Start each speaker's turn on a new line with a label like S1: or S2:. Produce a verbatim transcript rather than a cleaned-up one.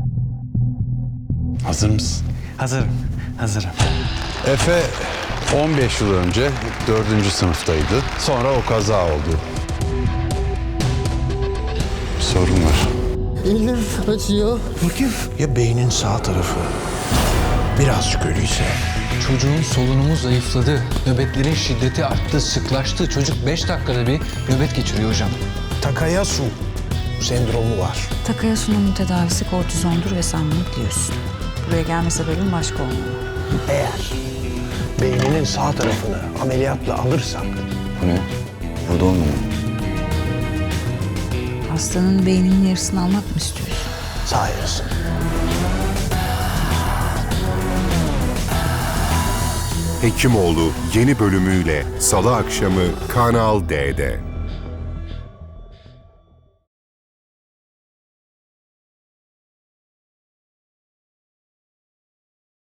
S1: Hazır mısın?
S2: Hazırım, hazırım.
S1: Efe on beş yıl önce dördüncü sınıftaydı. Sonra o kaza oldu. Bir sorun var.
S3: Elim acıyor.
S4: Bakayım. Ya beynin sağ tarafı birazcık ölüyse?
S5: Çocuğun solunumu zayıfladı. Nöbetlerin şiddeti arttı, sıklaştı. Çocuk beş dakikada bir nöbet geçiriyor hocam.
S4: Takayasu sendromu var.
S6: Takayasu'nun tedavisi kortizondur ve sen bunu biliyorsun. Buraya gelme sebebin başka olmalı.
S4: Eğer beyninin sağ tarafını ameliyatla alırsak
S7: Bu ne? Burada olmuyor.
S6: Hastanın beyninin yarısını almak mı istiyorsun?
S4: sağ yarısı.
S8: Hekimoğlu yeni bölümüyle Salı akşamı Kanal D'de.